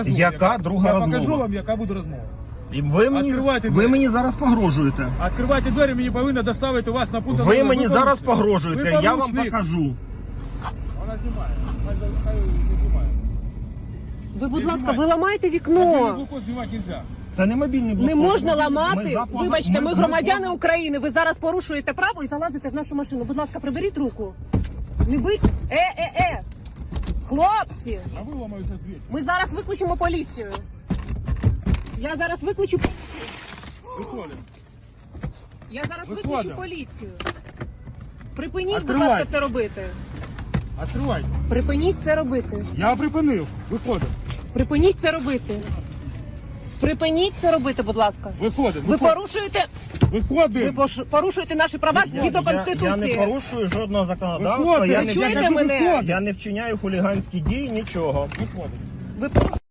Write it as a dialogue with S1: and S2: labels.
S1: Яка друга
S2: Я
S1: розмова?
S2: покажу вам, яка буде розмова.
S1: І
S2: Відкривайте
S1: ви
S2: двері.
S1: мені зараз погрожуєте.
S2: Відкривайте двері, мені повинні доставити вас на пункт.
S1: Ви мені зараз
S2: порушник.
S1: погрожуєте,
S2: Ви
S1: я вам
S2: порушник.
S1: покажу.
S2: Вона знімає. Хай не знімає.
S3: Ви, будь
S2: Не
S3: ласка,
S2: знімайте.
S3: ви ламаєте
S2: Мобільний
S3: вікно.
S2: блокпост знімати нельзя.
S1: Це не мобільний блокпост.
S3: Не можна
S1: Ми
S3: ламати.
S1: за-
S3: Вибачте, ми
S1: ми-
S3: громадяни України. Ви зараз порушуєте право і залазите в нашу машину. Будь ласка, приберіть руку. Не бить. Хлопці,
S2: А ви ламаєте двері.
S3: ми зараз викличемо поліцію. Я зараз викличу.
S2: Виходимо.
S3: Я зараз
S2: Виходимо.
S3: викличу поліцію. Припиніть, будь
S2: Відкривайте.
S3: ласка, це робити.
S2: Відкривайте.
S3: Припиніть це робити.
S2: Я припинив. Виходимо.
S3: Припиніть це робити. Припиніть це робити, будь ласка.
S2: Виходимо.
S3: Ви порушуєте,
S2: Виходимо.
S3: порушуєте наші права згідно
S1: Я не
S3: Конституції.
S1: порушую жодного законодавства,
S2: Виходимо.
S1: я
S3: Ви
S1: не,
S3: чуєте
S2: кажу,
S3: мене?
S2: виходимо.
S1: я не вчиняю хуліганські дії, нічого.
S2: Виходимо.
S3: Ви порушуєте